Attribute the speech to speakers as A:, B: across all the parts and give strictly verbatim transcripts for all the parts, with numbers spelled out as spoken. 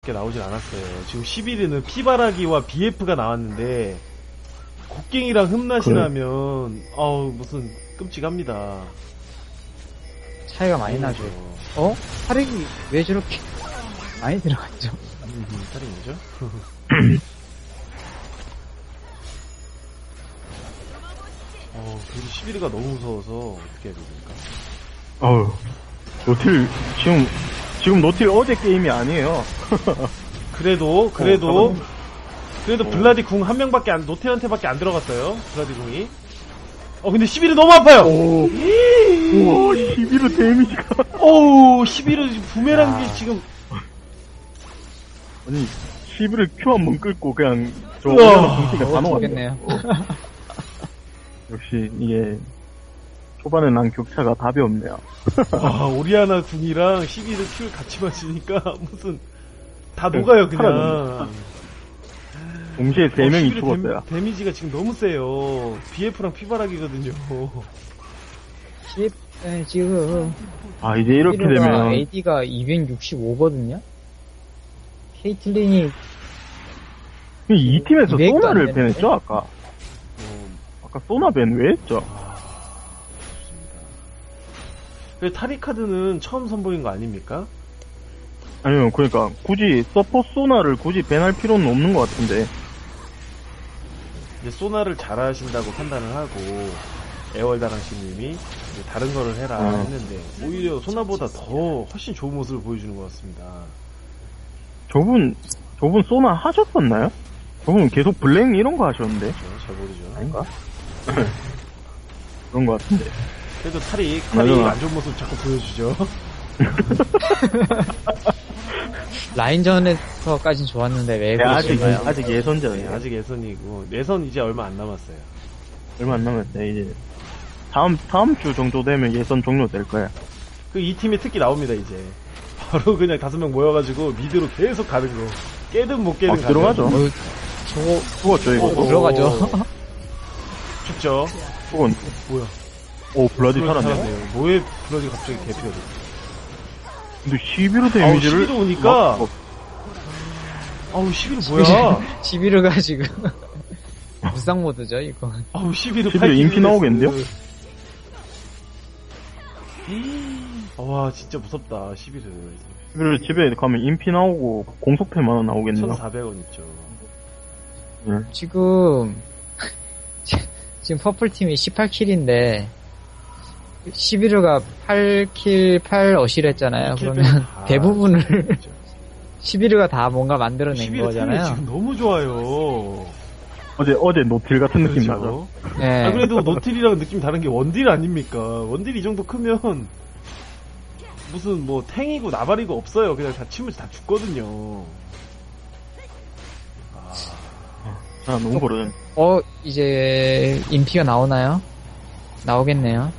A: 게 나오진 않았어요. 지금 십일 일은 피바라기와 비에프가 나왔는데 곡괭이랑 흠낫이
B: 그래.
A: 나면 아우 무슨 끔찍합니다.
C: 차이가 많이 나죠. 어? 타릭이 왜 저렇게 많이 들어갔죠?
A: 음, 살인이죠? 어, 그래도 십일 일가 너무 무서워서 어떻게 해야 됩니까?
B: 어우, 노틸, 지금, 지금 노틸 어제 게임이 아니에요.
A: 그래도 그래도
B: 어,
A: 그래도 블라디 궁 한 명밖에 안 노틸한테밖에 안 들어갔어요. 블라디 궁이. 어 근데 십일 일 너무 아파요.
B: 오, 우와, 십일 호 데미지가.
A: 오우 십일 일 부메랑기
C: 야.
A: 지금
B: 아니, 십일 호 Q 한 번 끌고 그냥, 저,
A: 우와.
B: 공기가 다 녹았네.
C: 죽겠네요.
B: 역시, 이게, 초반에 난 격차가 답이 없네요.
A: 와 오리아나 궁이랑 십일 일 큐를 같이 맞으니까 무슨 다 녹아요 그냥.
B: 동시에 세 명이
A: 십일 일
B: 죽었어요.
A: 데미, 데미지가 지금 너무 세요. 비에프랑 피바락이거든요.
C: 십, 에, 지금
B: 아, 이제 이렇게 되면,
C: 에이디가 이백육십오거든요? 케이틀린이
B: 이 팀에서
C: 이백도 안
B: 소나를
C: 되는데?
B: 밴했죠, 아까?
A: 어,
B: 아까 소나 밴 왜 했죠?
A: 아, 좋습니다. 그 타리카드는 처음 선보인 거 아닙니까?
B: 아니면, 그러니까, 굳이, 서포 소나를 굳이 밴할 필요는 없는 것 같은데.
A: 이제 소나를 잘하신다고 판단을 하고 애월다랑씨님이 다른 거를 해라
B: 어.
A: 했는데 오히려 소나보다 더 훨씬 좋은 모습을 보여주는 것 같습니다.
B: 저분, 저분 소나 하셨었나요? 저분 계속 블랙 이런 거 하셨는데?
A: 그렇죠? 잘 모르죠.
B: 아닌가? 그런 거 같은데.
A: 그래도 타릭, 타릭
B: 맞아.
A: 안 좋은 모습 자꾸 보여주죠.
C: 라인전에서까진 좋았는데 왜
B: 네, 아직,
C: 그러실까요?
B: 아직
A: 네,
B: 예선전이에요.
A: 아직 예선이고 예선 이제 얼마 안 남았어요.
B: 얼마 안 남았어요, 이제. 다음, 다음 주 정도 되면 예선 종료될 거야.
A: 그 이 팀이 특기 나옵니다 이제. 바로 그냥 다섯 명 모여가지고 미드로 계속 가는 거. 깨든 못 깨든
B: 아, 들어가죠.
C: 어, 저거
B: 죽었죠, 이거.
A: 어,
C: 들어가죠.
A: 죽죠.
B: 죽은.
A: 뭐야?
B: 오, 블라디 살았네.
A: 살았네요. 뭐에 블라디 갑자기 개피가 됐어?
B: 근데 십일 호 데미지를.
A: 십일 호 오니까
B: 막-
A: 아우 십일 일 뭐야?
C: 십일호가 지금 무쌍 모드죠 이거.
A: 아우 십일 일
B: 십일 일 인피 나오겠는데요?
A: 와 진짜 무섭다 십일 일.
B: 십일 호 집에 가면 인피 나오고, 공속패만 하나 나오겠네요.
A: 천사백 원 있죠.
B: 네.
C: 지금 지금 퍼플팀이 십팔 킬인데 십일호가 팔 킬 팔 어시를 했잖아요. 그러면
A: 아,
C: 대부분을
A: 그렇죠.
C: 십일호가 다 뭔가 만들어낸
A: 십일 일
C: 거잖아요.
A: 지금 너무 좋아요.
B: 어제, 어제 노틸 같은 느낌 나죠?
A: 그렇죠.
C: 네.
A: 아, 그래도 노틸이랑 느낌 다른 게 원딜 아닙니까? 원딜 이 정도 크면 무슨 뭐 탱이고 나발이고 없어요. 그냥 다 치면 다 죽거든요. 아,
B: 아, 너무 버릇.
C: 어 이제 인피가 나오나요? 나오겠네요.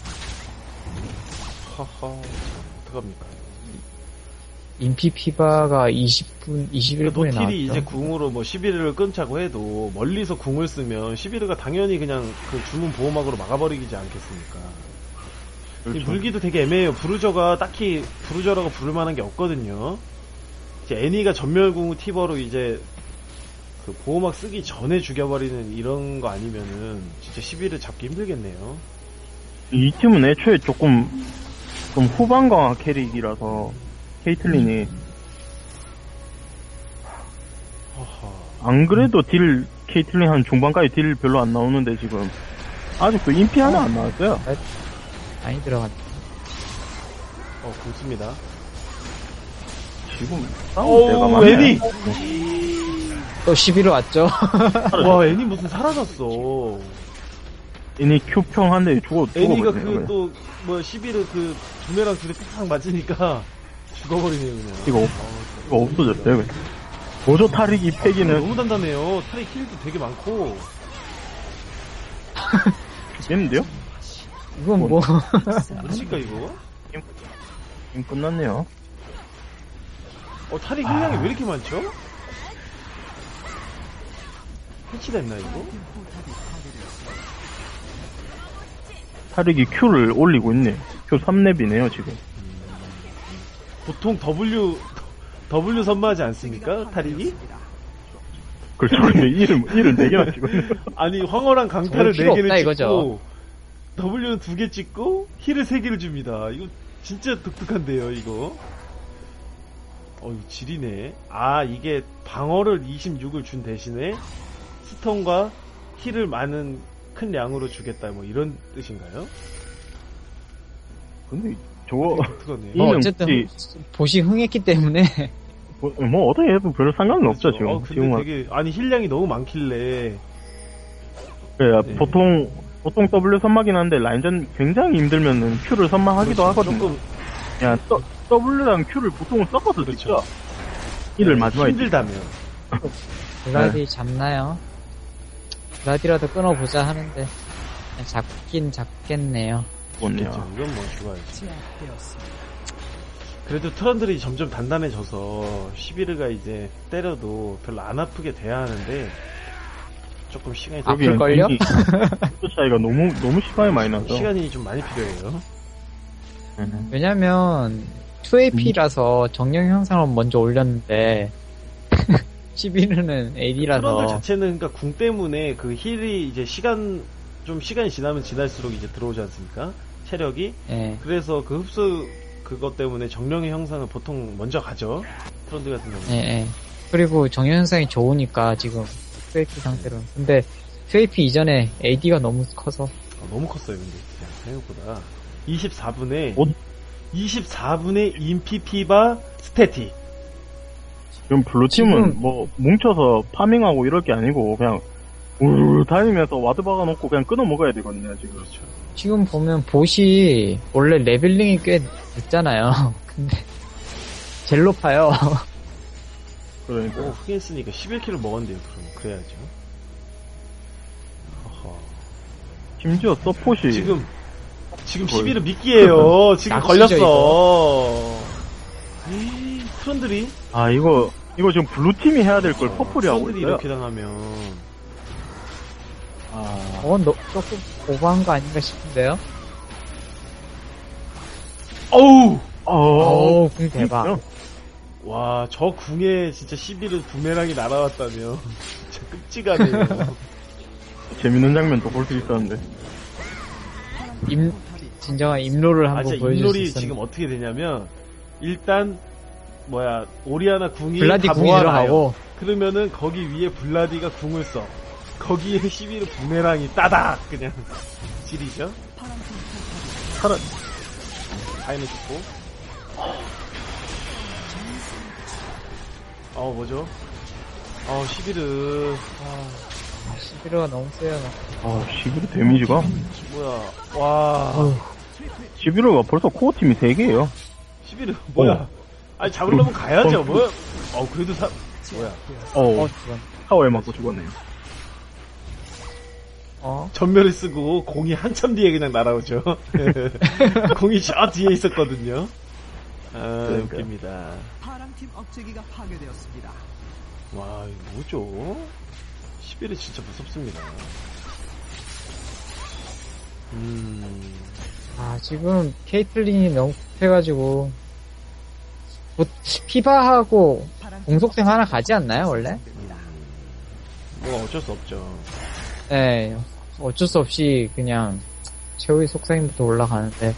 A: 하하, 어떡합니까?
C: 인피 피바가 이십 분, 이십일 분에 나왔죠.
A: 노틸이 이제 궁으로 뭐 십일 일을 끊자고 해도 멀리서 궁을 쓰면 십일 일가 당연히 그냥 그 주문 보호막으로 막아버리지 않겠습니까? 이
B: 그렇죠.
A: 물기도 되게 애매해요. 브루저가 딱히 브루저라고 부를 만한 게 없거든요. 이제 애니가 전멸궁 티버로 이제 그 보호막 쓰기 전에 죽여버리는 이런 거 아니면은 진짜 십일 일 잡기 힘들겠네요.
B: 이 팀은 애초에 조금, 좀 후반강화 캐릭이라서, 케이틀린이,
A: 허허.
B: 안 그래도 딜, 케이틀린 한 중반까지 딜 별로 안 나오는데 지금, 아직도 인피 하나 안 나왔어요.
C: 많이 들어갔죠.
A: 어, 굵습니다.
B: 지금, 싸울 때가
A: 어우,
B: 많네.
A: 애니!
C: 또 십일호 왔죠.
A: 와, 애니 무슨 사라졌어.
B: 애니 Q평 한 대 죽어,
A: 애니가
B: 죽어버리네.
A: 그 또, 뭐, 십일 일 그, 두뇌랑 둘이 팍팍 맞으니까 죽어버리네요, 그냥.
B: 이거, 없- 이거 없어졌어요, 그냥. 보조 타릭이 패기는
A: 너무 단단해요. 타리 킬도 되게 많고.
B: 죽겠는데요?
C: 이건 뭐,
A: 뭐칠까, 이거?
B: 지금 끝났네요.
A: 어, 타리 힐량이 왜 이렇게 많죠? 해치됐나, 이거?
B: 타릭이 Q를 올리고 있네. Q 삼 렙이네요, 지금.
A: 보통 W, W 선마하지 않습니까? 타릭이?
B: 그렇죠. 근데 일을, 일을 네 개나 찍었네요.
A: 아니, 황홀한 강타를
C: 필요
A: 네 개를
C: 없다,
A: 찍고,
C: 이거죠.
A: W는 두 개 찍고, 힐을 세 개를 줍니다. 이거 진짜 독특한데요, 이거. 어, 이거 지리네. 아, 이게 방어를 이십육을 준 대신에, 스톤과 힐을 많은 큰 양으로 주겠다, 뭐 이런 뜻인가요?
B: 근데 저거,
A: 독특하네.
C: 뭐
B: 이는
C: 어쨌든
B: 혹시-
C: 보시 흥했기 때문에
B: 뭐, 뭐 어떻게 해도 별 상관은 없죠, 지금.
A: 어, 근데
B: 지금은.
A: 되게, 아니, 힐량이 너무 많길래,
B: 예,
A: 네.
B: 보통, 보통 W 선마긴 한데, 라인전 굉장히 힘들면은 Q를 선마하기도
A: 그렇죠.
B: 하거든요.
A: 조금
B: 야, 또, W랑 Q를 보통은 섞어서
A: 그렇죠.
B: 찍죠. 일을 마지막에.
A: 힘들다면.
C: 블라디 잡나요? 블라디라도 끊어보자 하는데 그냥 잡긴 잡겠네요.
B: 찍었네요.
A: 그렇죠. 이건 뭐 죽어야지. 그래도 트런들이 점점 단단해져서 시비르가 이제 때려도 별로 안 아프게 돼야 하는데 조금 시간이 좀-
C: 아플걸요?
B: 또 차이가 너무, 너무 시간이 많이 나서.
A: 시간이 좀 많이 필요해요.
B: 음.
C: 왜냐면 투 에이피라서 정령 형상을 먼저 올렸는데 십일은
A: 트런들
C: 에이디라서
A: 자체는 그러니까 궁 때문에 그 힐이 이제 시간 좀 시간이 지나면 지날수록 이제 들어오지 않습니까? 체력이.
C: 예.
A: 그래서 그 흡수 그것 때문에 정령의 형상은 보통 먼저 가죠. 트런드 같은 경우는.
C: 예, 예. 그리고 정령 형상이 좋으니까 지금 투 에이피 상태로. 근데 투 에이피 이전에 에이디가 너무 커서
A: 아, 너무 컸어요, 근데 진짜 생각보다. 이십사 분에
B: 어?
A: 이십사 분에 인피피바 스태틱.
B: 지금 블루팀은
C: 지금-
B: 뭐, 뭉쳐서 파밍하고 이럴 게 아니고, 그냥, 우르르 다니면서 와드 박아놓고 그냥 끊어 먹어야 되거든요, 지금.
A: 그렇죠.
C: 지금 보면 보시 원래 레벨링이 꽤 늦잖아요. 근데 제일 높아요.
B: 그러니까.
A: 오, 흑했으니까 십일 킬을 먹었는데요, 그럼. 그래야죠. 어허.
B: 심지어 서폿이.
A: 지금, 지금
B: 거의-
A: 십일은 미끼예요. 지금
C: 낚시죠,
A: 걸렸어. 에이, 트런들이?
B: 아, 이거, 이거 지금 블루팀이 해야 될 걸 퍼플이 하고
A: 트런들이
B: 있어요.
A: 이렇게 당하면.
B: 아,
C: 어, 너, 조금 오버한 거 아닌가 싶은데요?
A: 어우!
B: 어,
C: 어우, 궁 대박.
A: 와, 저 궁에 진짜 십일은 부메랑이 날아왔다며. 진짜 끔찍하네요.
B: 재밌는 장면도 볼 수 있었는데.
C: 임, 진정한 임로를
A: 아,
C: 한번
A: 진짜
C: 보여줄 수
A: 인롤이
C: 있었는데.
A: 지금 어떻게 되냐면, 일단, 뭐야, 오리아나 궁이
C: 블라디
A: 다
C: 궁이
A: 모아놔요.
C: 들어가고,
A: 그러면은 거기 위에 블라디가 궁을 써. 거기에 십일은 부메랑이 따닥! 그냥, 지리죠?
B: 살아,
A: 타임을 줬고. 어, 뭐죠? 어, 십일은, 아,
C: 십일호가 너무 세요.
B: 아, 십일 데미지가?
A: 뭐야, 와,
C: 어휴,
B: 십일호가 벌써 코어 팀이 세 개예요.
A: 십일은 뭐야?
B: 어.
A: 아니, 잡으려면 가야죠,
B: 어.
A: 뭐야? 어, 그래도 사, 뭐야.
B: 어,
C: 어, 죽었네.
B: 타워에 맞고 죽었네요.
C: 어?
A: 전멸을 쓰고 공이 한참 뒤에 그냥 날아오죠. 공이 저 뒤에 있었거든요. 아,
B: 그러니까요.
A: 웃깁니다.
D: 파랑팀 억제기가 파괴되었습니다.
A: 와, 이거 뭐죠? 십일이 진짜 무섭습니다. 음,
C: 아, 지금 케이틀린이 너무 급해가지고, 뭐, 피바하고 공속생 하나 가지 않나요, 원래?
A: 뭐 어쩔 수 없죠.
C: 네, 어쩔 수 없이 그냥 최후의 속성부터 올라가는데,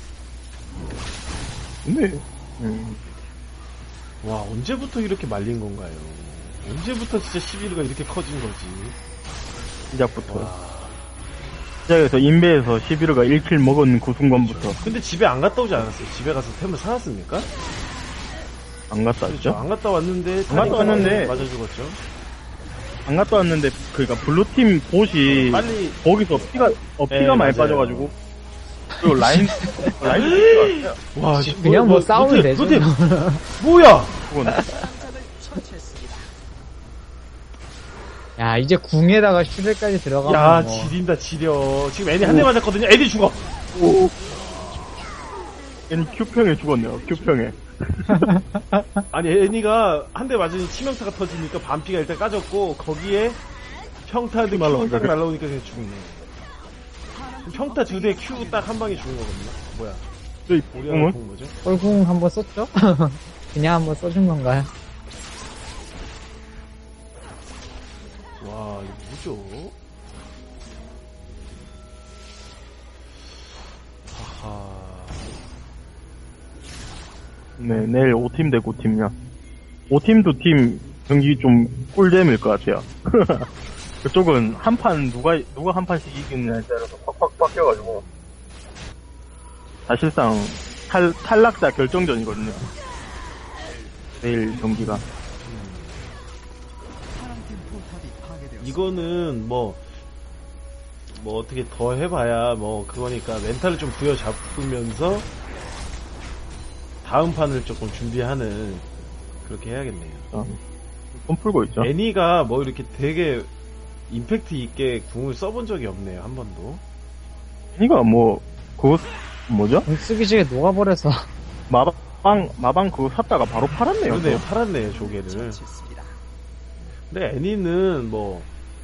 B: 근데, 음,
A: 와, 언제부터 이렇게 말린 건가요? 언제부터 진짜 십일가 이렇게 커진 거지?
B: 시작부터.
A: 와.
B: 시작에서 인베에서 십일호가 일 킬 먹은 그 순간부터
A: 근데 집에 안 갔다 오지 않았어요? 집에 가서 템을 사왔습니까?
B: 안 갔다
A: 그렇죠.
B: 왔죠?
A: 안 갔다 왔는데,
B: 안 갔다 왔는데.
A: 맞아 죽었죠.
B: 안 갔다 왔는데, 그니까, 블루팀 보시,
A: 빨리,
B: 거기서 피가, 어, 피가
A: 네,
B: 많이
A: 맞아요.
B: 빠져가지고, 그리고 라인, 라인 피가 왔어요.
A: 와,
C: 그냥 뭐 싸우면
A: 노템,
C: 되죠.
A: 노템. 뭐야?
B: 그건,
D: 처치했습니다.
C: 야, 이제 궁에다가 슈레까지 들어가면
A: 야,
C: 뭐.
A: 지린다, 지려. 지금 애니 한 대 맞았거든요. 애니 죽어.
B: 얘는 Q평에 죽었네요, Q평에.
A: 아니, 애니가 한 대 맞으니 치명타가 터지니까 반피가 일단 까졌고, 거기에 평타한테 Q 딱 날라오니까 그냥 죽네. 평타 두 대 Q 딱 한 방에 죽은 거거든요. 뭐야?
B: 저희
A: 오리아나
B: 뽕은?
A: 본 거죠?
C: 뻘궁 한번 썼죠? 그냥 한번 써준 건가요?
A: 와, 이거 뭐죠? 하하.
B: 네, 내일 오 팀 대 구 팀이야. 오 팀 두 팀 경기 좀 꿀잼일 것 같아요. 그쪽은 한 판 누가 누가 한 판씩 이기느냐에 따라서 팍팍 바뀌어가지고 사실상 탈 탈락자 결정전이거든요. 내일 경기가.
D: 파랑팀 포탑이 파괴되었습니다.
A: 이거는 뭐, 뭐 어떻게 더 해봐야 뭐 그거니까 멘탈을 좀 부여잡으면서 다음 판을 조금 준비하는 그렇게 해야겠네요.
B: 어, 손 풀고 있죠.
A: 애니가 뭐 이렇게 되게 임팩트 있게 궁을 써본 적이 없네요, 한 번도.
B: 이거 뭐 그거 뭐죠?
C: 공 쓰기 전에 녹아버려서.
B: 마방 마방 그거 샀다가 바로 팔았네요.
A: 그러네요,
B: 또.
A: 팔았네요, 조개를.
D: 처치했습니다.
A: 근데 애니는 뭐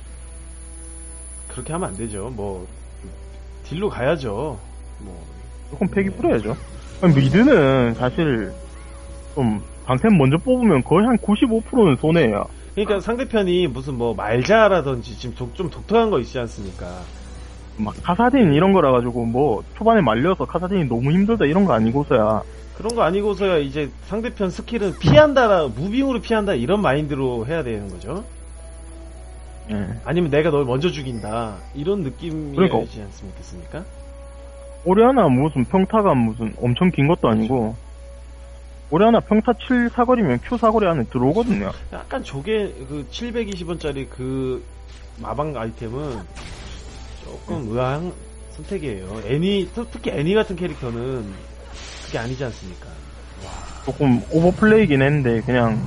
A: 그렇게 하면 안 되죠. 뭐 딜로 가야죠. 뭐
B: 조금 패기 뿌려야죠. 아니, 미드는 사실 좀 방템 먼저 뽑으면 거의 한 구십오 퍼센트는 손해예요.
A: 그러니까 상대편이 무슨 뭐 말자라든지 지금 독, 좀 독특한 거 있지 않습니까?
B: 막 카사딘 이런 거라 가지고 뭐 초반에 말려서 카사딘이 너무 힘들다 이런 거 아니고서야
A: 그런 거 아니고서야 이제 상대편 스킬은 피한다라 무빙으로 피한다 이런 마인드로 해야 되는 거죠.
B: 예.
A: 아니면 내가 널 먼저 죽인다 이런 느낌이지
B: 그러니까.
A: 않습니까?
B: 오리아나 무슨 평타가 무슨 엄청 긴 것도 아니고 오리아나 평타 칠 사거리면 Q 사거리 안에 들어오거든요.
A: 약간 저게 그 칠백이십 원짜리 그 마방 아이템은 조금 의아한 선택이에요. 애니 특히 애니 같은 캐릭터는 그게 아니지 않습니까?
B: 조금 오버플레이긴 했는데 그냥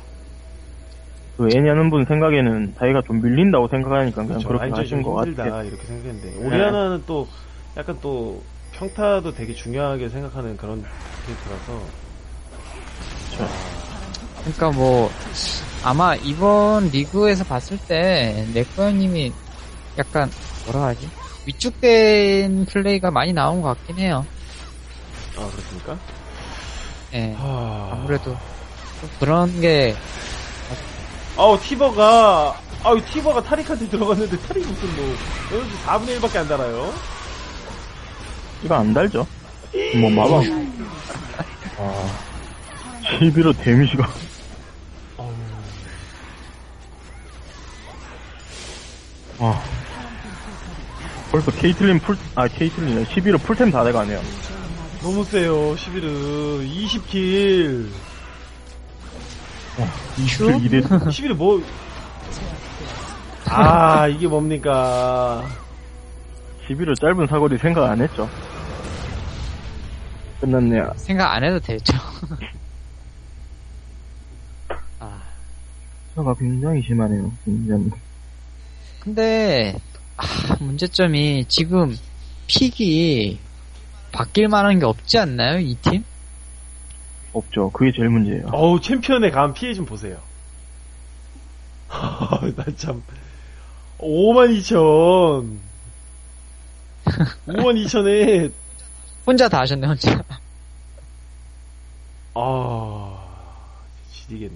B: 그 애니 하는 분 생각에는 자기가 좀 밀린다고 생각하니까 그냥
A: 그렇죠.
B: 그렇게
A: 라인전이
B: 하신
A: 좀
B: 것
A: 힘들다
B: 같아요.
A: 이렇게 생각했는데 오리아나는 또 약간 또 평타도 되게 중요하게 생각하는 그런 캐릭터라서
C: 그러니까 뭐 아마 이번 리그에서 봤을 때 넥버님이 약간 뭐라 하지? 위축된 플레이가 많이 나온 것 같긴 해요.
A: 아 그렇습니까?
C: 예.
A: 하...
C: 아무래도 좀 그런 게
A: 아우 티버가 아우 티버가 타릭한테 들어갔는데 타릭 무슨 뭐 여기서 사분의 일밖에 안 달아요.
B: 이거 안 달죠? 뭐 마방 아 십일호 데미지가
A: 어우,
B: 아 벌써 케이틀린 풀, 아, 케이틀린, 십일호 풀템 다 돼가네요.
A: 너무 세요. 십일은 이십 킬.
B: 큐? 이대
A: 십일은 뭐? 아 이게 뭡니까?
B: 십일호 짧은 사거리 생각 안 했죠. 끝났네요.
C: 생각 안 해도 되죠. 아,
B: 차가 굉장히 심하네요, 굉장히.
C: 근데 아, 문제점이 지금 픽이 바뀔 만한 게 없지 않나요, 이 팀?
B: 없죠. 그게 제일 문제예요.
A: 어우 챔피언에 가면 피해 좀 보세요. 나 참 오만 이천 오만 이천에
C: 혼자 다 하셨네, 혼자.
A: 아 지리겠네.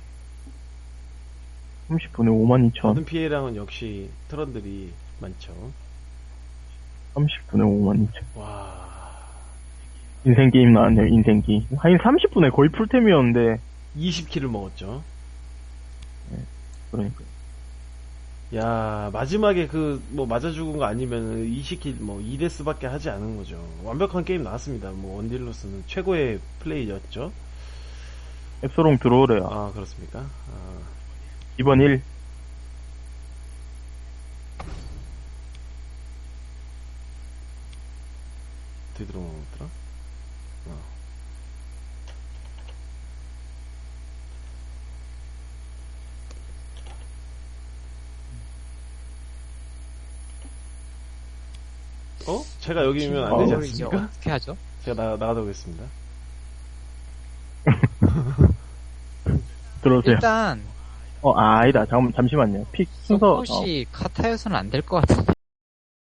B: 삼십 분에 오만 이천.
A: 모든 피해량은 역시 트런들이 많죠.
B: 삼십 분에 오만 이천.
A: 와
B: 인생 게임 나왔네요, 인생 게임. 하긴 삼십 분에 거의 풀템이었는데,
A: 이십 킬을 먹었죠.
B: 그러니까.
A: 야 마지막에 그 뭐 맞아 죽은 거 아니면 이십 킬 뭐 이 데스밖에 하지 않은 거죠. 완벽한 게임 나왔습니다. 뭐 원딜로스는 최고의 플레이였죠.
B: 앱소롱 들어오래요.
A: 아 그렇습니까? 아,
B: 이번 일.
A: 어떻게 들어오더라? 어. 어? 제가 여기면 안 되지
B: 어,
C: 이제
A: 않습니까?
C: 어떻게 하죠?
A: 제가 나, 나가다 오겠습니다.
B: 들어오세요.
C: 일단
B: 어, 아, 아니다. 잠깐, 잠시만요. 픽 순서, 어,
C: 서폿이 카타여서는 안 될 것 같은데.